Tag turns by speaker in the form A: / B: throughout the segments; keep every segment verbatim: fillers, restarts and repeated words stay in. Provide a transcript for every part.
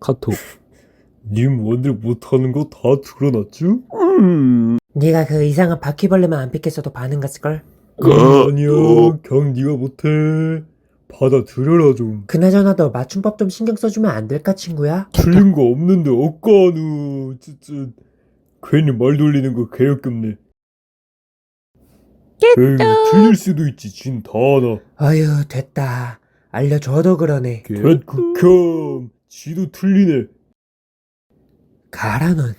A: 카톡. 님 오늘 못하는 거 다 드러났쥬?
B: 음.
C: 네가 그 이상한 바퀴벌레만 안 픽했어도 반응 갔을걸?
A: 어, 아니야. 그냥 네가 못해. 받아들여라 좀.
C: 그나저나 너 맞춤법 좀 신경 써주면 안 될까 친구야?
A: 틀린 거 없는데 억까누. 진짜 괜히 말 돌리는 거 개역겹네. 에이, 틀릴 수도 있지. 진 다 알아.
C: 어휴 됐다. 알려줘도 그러네.
A: 개극혐. 지도 틀리네.
C: 가라 넌.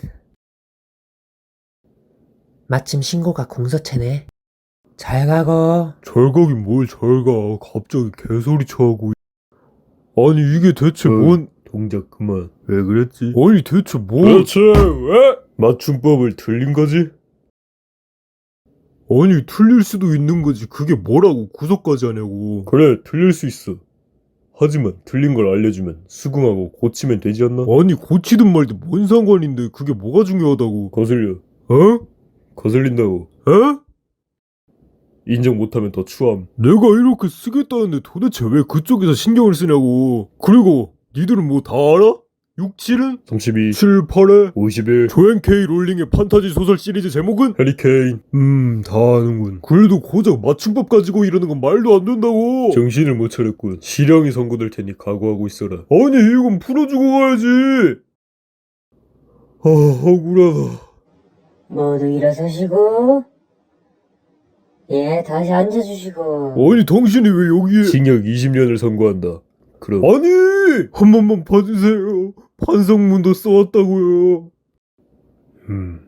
C: 마침 신고가 공서체네. 잘 가고.
A: 잘 가긴 뭘 잘 가. 갑자기 개소리 쳐하고. 아니 이게 대체
B: 어.
A: 뭔 동작 그만. 왜 그랬지? 아니 대체 뭐 대체 왜? 맞춤법을 틀린 거지? 아니 틀릴 수도 있는 거지. 그게 뭐라고 구속까지 하냐고. 그래 틀릴 수 있어. 하지만 틀린 걸 알려주면 수긍하고 고치면 되지 않나? 아니 고치든 말든 뭔 상관인데 그게 뭐가 중요하다고. 거슬려. 어? 거슬린다고. 어? 인정 못하면 더 추함. 내가 이렇게 쓰겠다는데 도대체 왜 그쪽에서 신경을 쓰냐고. 그리고 니들은 뭐 다 알아? 육, 칠은? 삼십이, 칠, 팔에? 오십일. 조앤 케이 롤링의 판타지 소설 시리즈 제목은? 해리케인. 음, 다 아는군. 그래도 고작 맞춤법 가지고 이러는 건 말도 안 된다고. 정신을 못 차렸군. 실형이 선고될 테니 각오하고 있어라. 아니 이건 풀어주고 가야지. 아, 억울하다.
D: 모두 일어서시고, 예, 다시 앉아주시고.
A: 아니 당신이 왜 여기에 징역 이십 년을 선고한다. 그럼 아니 한 번만 봐주세요. 판성문도 써왔다고요. 음